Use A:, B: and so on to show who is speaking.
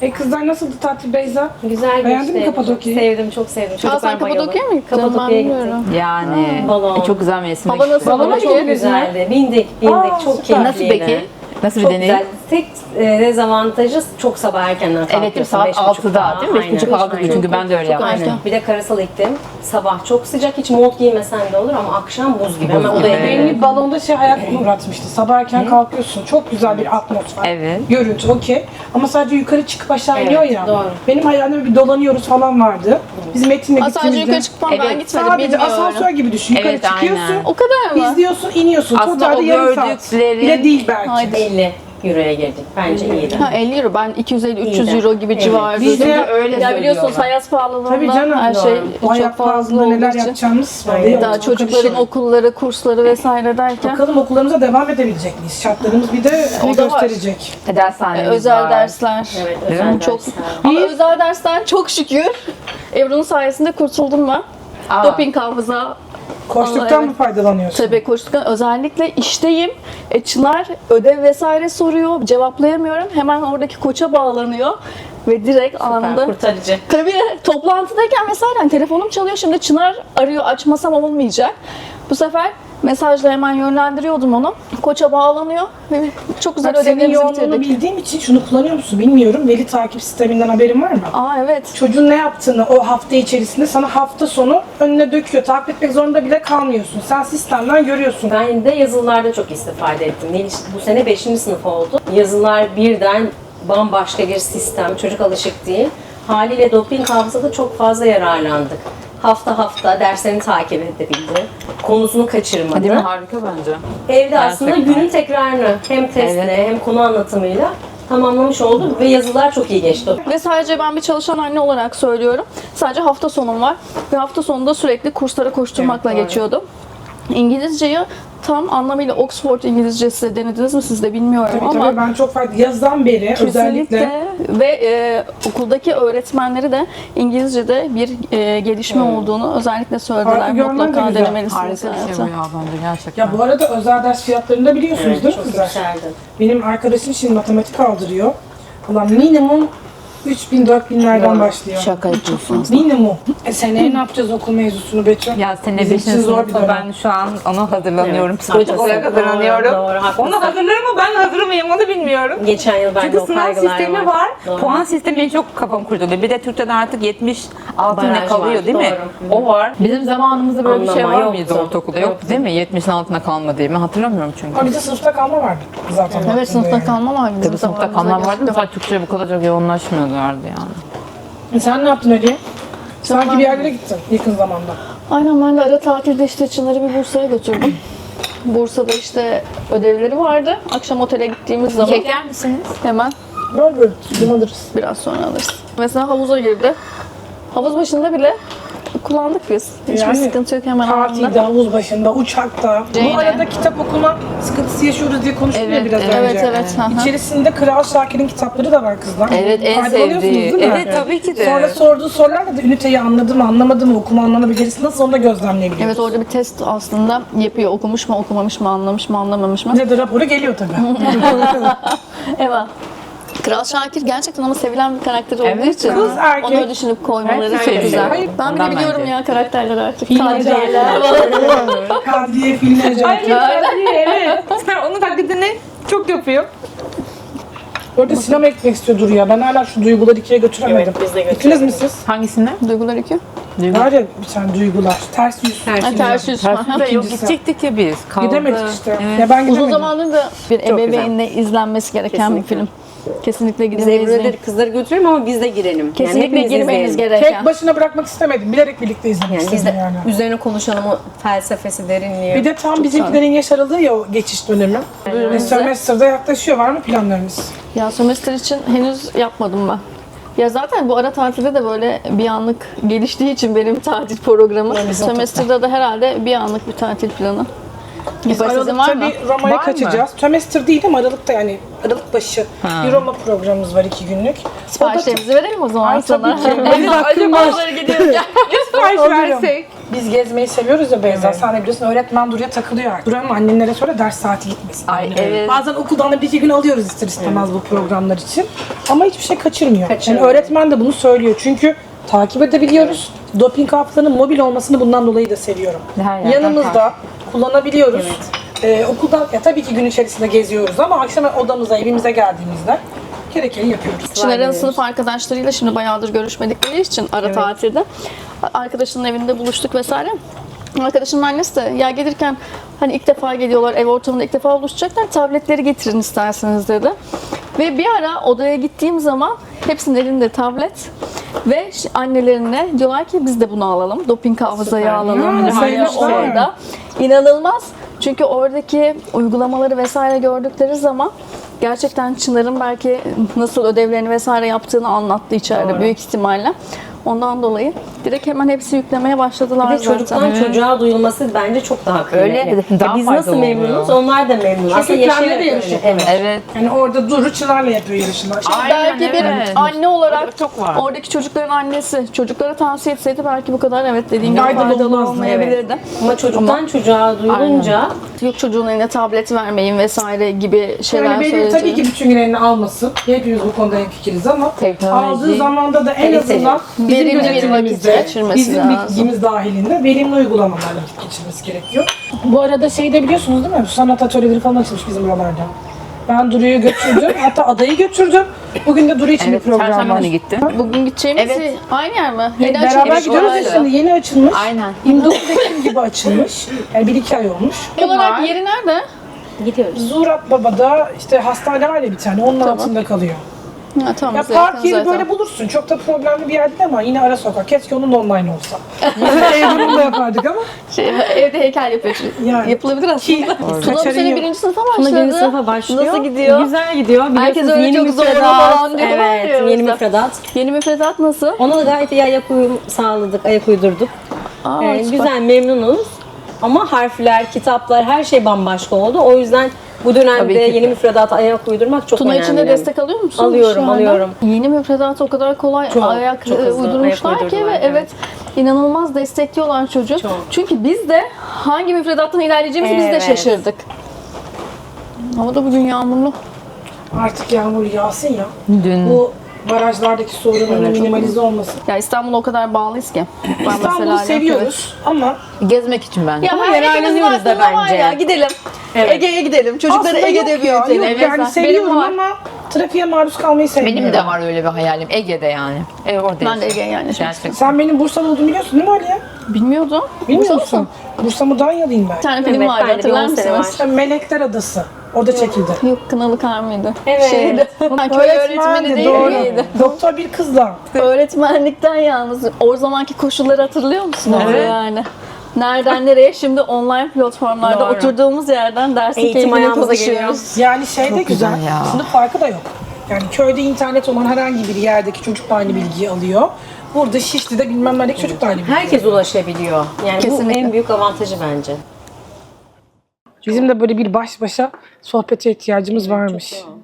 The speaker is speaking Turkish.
A: Kızlar nasıldı tatil Beyza?
B: Güzel
A: Beğendin mi
B: geçti.
A: Kapadokya'yı?
B: Sevdim, çok sevdim.
C: Sen
B: Çocuklar
C: Kapadokya'ya mı gittin?
B: Kapadokya'ya gittik.
D: Yani
B: Balon.
D: çok güzel mevsimde
C: Hava nasıl?
A: Balona
B: Çok
A: bindiniz mi?
B: güzeldi. Bindik. Çok
A: süper.
B: keyifliydi.
D: Nasıl peki? Nasıl bir
B: Çok
D: deneyim?
B: güzel. Tek dezavantajı çok sabah erkenden kalkıyorsun.
D: Evet, saat 6'da değil mi? 5.30-6 gibi, çünkü ben de öyle yaptım.
B: Aynen. Bir de karasal iklim. Sabah çok sıcak, hiç mont giymesen de olur ama akşam buz gibi. Hemen odaya
D: gibi.
B: girelim.
A: Beni balonda hayal uğratmıştı. Sabah erken kalkıyorsun. Çok güzel bir atmosfer.
D: Evet.
A: Görüntü okey. Ama sadece yukarı çıkıp aşağı
B: Evet,
A: iniyor ya.
B: doğru.
A: Benim hayalimde bir dolanıyoruz falan vardı. Biz Metin'le
C: Sadece
A: gittiğimizde
C: yukarı çıkmam ben
D: Evet,
C: gitmedim
A: sadece
C: bilmiyorum.
A: asansör gibi düşün. Yukarı
D: Evet,
A: çıkıyorsun.
D: aynen.
C: O kadar mı?
A: İzliyorsun, iniyorsun.
D: Aslında
A: Totalde
D: o
A: yarım saat.
D: gördüklerin-
A: Bile değil belki.
C: Haydi.
B: 50 euroya girdik. Bence iyiydi.
C: Ha 50 euro. Ben 250-300
B: İyi de.
C: euro gibi
B: Evet.
C: civarı.
A: Biz de
D: öyle
C: Ya biliyorsunuz
D: söylüyorlar.
C: hayat pahalılığında
A: Tabii canım.
C: her şey
A: O
C: çok
A: hayat
C: fazla
A: pahalılığında
C: olduğu
A: neler
C: için.
A: yapacağımız var.
B: Aynen.
A: Değil mi?
C: Daha
A: Çok
C: çocukların
A: karışık.
C: okulları, kursları vesaire derken
A: Bakalım okullarımıza devam edebilecek miyiz? Şartlarımız bir de ne
C: O da var.
A: gösterecek?
D: Dershanemiz
C: özel
D: var.
C: dersler.
B: Evet,
D: Değil mi?
B: özel
C: Çok
B: dersler.
C: ama özel dersten çok şükür Ebru'nun sayesinde kurtuldum ben.
D: Aa.
C: Doping hafıza
A: Koştuktan
C: evet.
A: mı faydalanıyorsun?
C: tabii koştuktan özellikle işteyim. Çınar ödev vesaire soruyor. Cevaplayamıyorum. Hemen oradaki koça bağlanıyor ve direkt anında
B: Kurtarıcı.
C: tabii toplantıdayken mesela hani telefonum çalıyor. Şimdi Çınar arıyor, açmasam olmayacak. Bu sefer mesajla hemen yönlendiriyordum onu. Koça bağlanıyor ve çok güzel
A: Bak senin
C: ödevlerimizi
A: yoğunluğunu
C: bitirdik.
A: bildiğim için şunu kullanıyor musun bilmiyorum. Veli takip sisteminden haberin var mı?
C: Aa evet.
A: Çocuğun ne yaptığını o hafta içerisinde sana hafta sonu önüne döküyor. Takip etmek zorunda bile kalmıyorsun. Sen sistemden görüyorsun.
B: Ben de yazılılarda çok istifade ettim. Bu sene 5. sınıf oldu. Yazılılar birden bambaşka bir sistem. Çocuk alışık değil. Haliyle doping hafızada çok fazla yararlandık. Hafta hafta derslerini takip edebildi. Konusunu kaçırmadı.
D: Değil mi? Harika bence.
B: Evde aslında
D: Gerçekten.
B: günün tekrarını hem testle
D: Evet.
B: hem konu anlatımıyla tamamlamış oldu ve yazılar çok iyi geçti.
C: Ve sadece ben bir çalışan anne olarak söylüyorum. Sadece hafta sonum var. Ve hafta sonunda sürekli kurslara koşturmakla
B: Evet, doğru.
C: geçiyordum. İngilizceyi tam anlamıyla Oxford İngilizcesi denediniz mi siz de bilmiyorum
A: Tabii
C: ama
A: tabii ben çok farklı. Yazdan beri özellikle
C: kesinlikle ve okuldaki öğretmenleri de İngilizce'de bir gelişme olduğunu özellikle söylediler.
A: Farkı görmen de
C: Mutlaka
A: güzel.
C: denemelisiniz
D: Harika bir şey
C: hayatım.
D: bu ya bence gerçekten.
A: ya bu arada özel ders fiyatlarını da biliyorsunuz
B: Evet,
A: değil mi
B: çok
A: kızlar?
B: yükseldi.
A: Benim arkadaşım şimdi matematik aldırıyor. Ulan minimum 3000-4000'lerden başlıyor.
D: Şaka yapıyorsun.
A: Minimum. Seneye ne yapacağız okul mevzusunu Betül?
D: Ya sene
A: Bizim
D: 5.
A: için zor bir
D: sınıfta
A: dönem.
D: ben şu an ona hazırlanıyorum.
B: Evet,
D: Psikolojik
B: haklısın.
D: olarak hazırlanıyorum.
B: Doğru, haklısın.
D: Ona hazırlarım mı ben hazır mıyım onu bilmiyorum.
B: Geçen yıl bende
D: Çünkü
B: o
D: sınav
B: kaygılar
D: sistemi var.
B: Doğru.
D: Puan sistemi beni çok kafam kurcalıyor. Bir de Türkçe'de artık 70 altında
B: Baraj
D: kalıyor
B: var,
D: değil mi?
B: doğru.
D: O var. Bizim zamanımızda böyle bir şey
B: Anlama
D: var mıydı
B: yoktu.
D: ortaokulda? Yok değil mi? 70'in altına kalma diye. Ben hatırlamıyorum çünkü.
A: Ama bizde sınıfta kalma vardı zaten.
C: Evet
A: baktığında
C: sınıfta
A: yani.
C: kalma var bizim
D: Tabii sınıfta
C: zamanımızda
D: kalma vardı da
C: gerçekten.
D: sadece Türkçe'ye bu kadar çok yoğunlaşmıyorlardı yani.
A: Sen ne yaptın Aliye? Sanki
C: Ben-
A: bir yerlere gittin yakın zamanda.
C: Aynen ben de ara tatilde işte Çınar'ı bir Bursa'ya götürdüm. Bursa'da işte ödevleri vardı. Akşam otele gittiğimiz zaman
D: Çeker misiniz?
C: hemen
A: Böyle film alırız.
C: biraz sonra alırız. Mesela havuza girdi. Havuz başında bile kullandık biz. Hiçbir
A: Yani
C: sıkıntı yok hemen
A: Partide,
C: anında.
A: havuz başında, uçakta.
C: Ceyne.
A: Bu arada kitap okuma sıkıntısı yaşıyoruz diye konuştuk ya
D: Evet,
A: biraz önce.
C: Evet evet. hı hı.
A: İçerisinde Kral Şakir'in kitapları da var kızlar.
D: Evet en
A: Faydalanıyorsunuz
D: sevdiği.
A: değil mi?
D: Evet tabii ki de.
A: Sonra sorduğu sorularla da üniteyi anladı mı, anlamadı mı, okuma anlama becerisi nasıl onu da gözlemleyebiliyoruz.
C: Evet orada bir test aslında yapıyor. Okumuş mu, okumamış mı, anlamış mı, anlamamış mı?
A: Bize de raporu geliyor tabii.
C: Evet. Kral Şakir gerçekten ama sevilen bir karakter olduğu
D: Evet,
C: için
A: kız erkek.
C: onu düşünüp koymaları
D: Evet,
C: çok
D: evet.
C: güzel.
A: Hayır,
C: Ben bile
D: ondan
C: biliyorum
D: bence.
C: ya karakterler artık.
A: Filmler. Kadriye filmler.
D: Evet. Sen onun taklidini çok yapıyor.
A: Orada sinema gitmek istiyordur ya. Ben hala şu duyguları ikiye götüremedim.
B: Evet, biz de
A: Gittiniz mi siz?
D: Hangisinde?
C: Duygular 2.
A: Var ya bir tane duygular. Ters yüz.
C: Ters yüz.
D: Tersinde yok
A: İkincisi.
D: gidecektik ya biz. Kaldı.
A: Gidemedik işte.
D: Evet.
A: Ya ben
C: Uzun
A: gidemedim.
C: zamandır da bir
D: Çok
C: ebeveynle izlenmesi gereken bir film. Kesinlikle
B: Biz
C: gidin ve izleyin.
B: Ebru'ları kızları götürelim ama biz de girelim.
C: Kesinlikle
B: hepimiz
C: girmeniz
B: izleyelim.
C: gereken.
A: Tek başına bırakmak istemedim. Bilerek birlikte izlemek
B: Yani biz
A: istedim
B: de
A: yani.
B: üzerine konuşalım o felsefesi, derinliği.
A: Bir de tam bizimkilerin yaş aralığı ya o geçiş dönemi. Ve sömestrda yaklaşıyor. Var mı planlarınız?
C: Ya sömestr için henüz yapmadım ben. Ya zaten bu ara tatilde de böyle bir anlık geliştiği için benim tatil programı. Sömestrda da herhalde bir anlık bir tatil planı.
A: Biz
C: Sizin var
A: Aralık'ta
C: mı?
A: bir Roma'ya
D: Var mı?
A: kaçacağız. Sömestr değil ama Aralık'ta yani Aralık başı bir Roma programımız var 2 günlük.
C: Siparişlerimizi verelim o zaman
A: Ay,
C: sana.
A: tabii ki.
C: Benim hakkım var. Gidiyoruz ya.
D: Sipariş
A: Alırım.
D: versek.
A: Biz gezmeyi seviyoruz ya Beyza. Sen de biliyorsun öğretmen Duru'ya takılıyor artık. Duru'nun annelere sonra ders saati gitmesin.
C: Ay, evet.
A: Bazen okuldan da bir iki gün alıyoruz ister istemez bu programlar için. Ama hiçbir şey kaçırmıyor.
B: Kaçırmıyor.
A: Yani öğretmen de bunu söylüyor. Çünkü takip edebiliyoruz. Doping hafızanın mobil olmasını bundan dolayı da seviyorum.
D: Her yerden
A: Yanımızda kullanabiliyoruz. Okuldan tabii ki gün içerisinde geziyoruz ama akşam odamıza, evimize geldiğimizde gerekeni yapıyoruz.
C: Çınar'ın sınıf arkadaşlarıyla şimdi bayağıdır görüşmedikleri için ara tatilde arkadaşının evinde buluştuk vesaire. Arkadaşının annesi de ya gelirken hani ilk defa geliyorlar, ev ortamında ilk defa buluşacaklar, tabletleri getirin isterseniz dedi. Ve bir ara odaya gittiğim zaman hepsinin elinde tablet ve annelerine diyorlar ki biz de bunu alalım, doping hafızayı alalım.
A: Ya,
C: Hani
A: saymışlar.
C: orada inanılmaz. Çünkü oradaki uygulamaları vesaire gördükleri zaman gerçekten Çınar'ın belki nasıl ödevlerini vesaire yaptığını anlattı içeride büyük ihtimalle. Ondan dolayı direkt hemen hepsi yüklemeye başladılar
B: Bir de
C: zaten.
B: çocuktan çocuğa duyulması bence çok daha kıymetli.
D: Öyle, daha
B: Biz nasıl
D: faydalı
B: memnunuz,
D: oluyor.
B: onlar da memnun.
A: Çünkü
B: Aslında
A: kendileri de
B: yaşayarak
A: yarış
B: öyle.
A: yapıyorlar.
D: Evet.
A: Yani orada Duru Çınar'la yapıyor yarışını.
D: Aynen,
C: Belki bir
D: evet.
C: anne olarak
D: Çok var.
C: oradaki çocukların annesi çocuklara tavsiye etseydi belki bu kadar evet dediğim gibi
A: Faydalı
C: faydalı
A: olmazdı,
C: olmayabilirdi.
B: Ama çocuktan çocuğa duyulunca
C: Yok çocuğun eline tablet vermeyin vesaire gibi şeyler
A: Yani benim
C: söyledi.
A: tabii ki bütün gün elini almasın. Hepimiz bu konuda hemfikiriz ama
D: Teknoloji.
A: aldığı zamanda da en
B: Kaliteli.
A: azından bizim
C: Verimli bir vakit
A: gözetimimizde,
C: geçirmesi
A: bizim
C: lazım.
A: bilgimiz dahilinde verimli uygulamalarla vakit geçirmesi gerekiyor. Bu arada şey de biliyorsunuz değil mi? Sanat atölyeleri falan açılmış bizim buralarda. Ben Duru'yu götürdüm. Hatta adayı götürdüm. Bugün de Duru için
D: Evet,
A: bir program
D: Çarşamba
A: var.
D: günü gitti.
C: Bugün gideceğimiz
D: Evet.
C: aynı yer mi? Yeni
A: Beraber
C: açılmış
A: gidiyoruz ya
C: oraydı.
A: şimdi. Yeni açılmış.
D: Aynen.
A: 29 Ekim gibi açılmış. Yani 1-2 ay olmuş.
C: Olarak yeri nerede?
B: gidiyoruz.
A: Zurat Baba'da işte hastane var ya bir tane. Onun altında kalıyor.
C: Ha, tamam,
A: Ya
C: bize
A: park
C: yakın
A: yeri
C: zaten.
A: böyle bulursun. Çok da problemli bir yer değil ama yine ara sokak. Keşke onun online olsa. Evde bunu da yapardık ama.
C: Evde heykel yapıyor.
A: Yani.
C: Yapılabilir aslında. Tuna bu
A: Kaçarı
C: sene
A: yok.
C: 1. sınıfa
B: Tuna
C: başladı.
B: yeni sınıfa başlıyor.
C: Nasıl gidiyor?
B: Güzel gidiyor.
C: Herkes
B: Biliyorsunuz
C: öyle
B: yeni
C: çok zorlu
B: müfredat.
C: falan diyorlar ya
B: Evet,
C: o
B: yeni
C: yüzden.
B: müfredat.
C: Yeni müfredat nasıl?
B: Ona da gayet iyi ayak uyum sağladık, ayak uydurduk.
C: Aa, süper.
B: Güzel, memnunuz. Ama harfler, kitaplar, her şey bambaşka oldu. O yüzden bu
D: Tabii
B: dönemde
D: ki de.
B: yeni müfredata ayak uydurmak çok
C: Tuna
B: önemli.
C: için de destek alıyor musun?
B: Alıyorum,
C: şu anda?
B: alıyorum.
C: Yeni müfredat o kadar kolay
B: Çok,
C: ayak
B: çok hızlı
C: uydurmuşlar
B: ayak
C: ki ve
B: uydurdular,
C: evet inanılmaz destekliyorlar çocuğu.
B: Çok.
C: Çünkü biz de hangi müfredattan ilerleyeceğimizi biz de
B: Evet.
C: şaşırdık. Hava da bugün yağmurlu.
A: Artık yağmur yağsın ya.
D: Dün
A: Bu barajlardaki sorunun minimalize olması.
C: Ya İstanbul'a o kadar bağlıyız ki. Ben
A: İstanbul'u
C: mesela
A: seviyoruz ama
D: gezmek için bence.
C: Ya
B: Ama
C: her
B: yararlanıyoruz
C: hepimizin
B: da
C: aklında var
B: bence.
C: ya, gidelim.
B: Evet.
C: Ege'ye gidelim. Çocukları
A: aslında
C: Ege'de
A: yok ya. Yok
C: büyütelim.
A: yani
C: Benim
A: seviyorum
C: var.
A: ama trafiğe maruz kalmayı sevmiyorum.
D: Benim de var öyle bir hayalim. Ege'de yani. Orada
C: Ben de
D: yaşıyorum.
C: Ege'ye yani.
D: Gerçekten.
A: Sen benim Bursalı olduğumu biliyorsun değil mi Aliye?
C: Bilmiyordum.
A: Bilmiyor
C: Bursa
A: musun?
C: mısın?
A: Bursa Mudanyalıyım ben.
C: Bir tane film
B: Evet,
C: vardı
B: ben de bir
C: hatırlar
B: 10 sene
C: mısınız?
B: var.
A: Melekler Adası. Orada çekildi.
C: Yok Kınalı Kar mıydı?
B: Evet.
C: Şeydi. Ha, köy öğretmeni değil
A: doğru.
C: miydi?
A: Doktor bir kızla.
C: Öğretmenlikten yalnız. O zamanki koşulları hatırlıyor musunuz
D: Evet.
C: yani? Nereden nereye? Şimdi online platformlarda
B: Doğru.
C: oturduğumuz yerden dersin
B: Eğitim
C: keyfini
B: ayağımıza
C: konuşuyoruz.
A: Yani şey de güzel.
D: güzel ya.
A: Sınıf farkı da yok. Yani köyde internet olan herhangi bir yerdeki çocuk da aynı bilgiyi alıyor. Burada Şişli'de bilmem neredeki çocuk da aynı bilgiyi
B: herkes ulaşabiliyor. Yani
C: Kesinlikle.
B: bu en büyük avantajı bence.
A: Bizim de böyle bir baş başa sohbete ihtiyacımız varmış.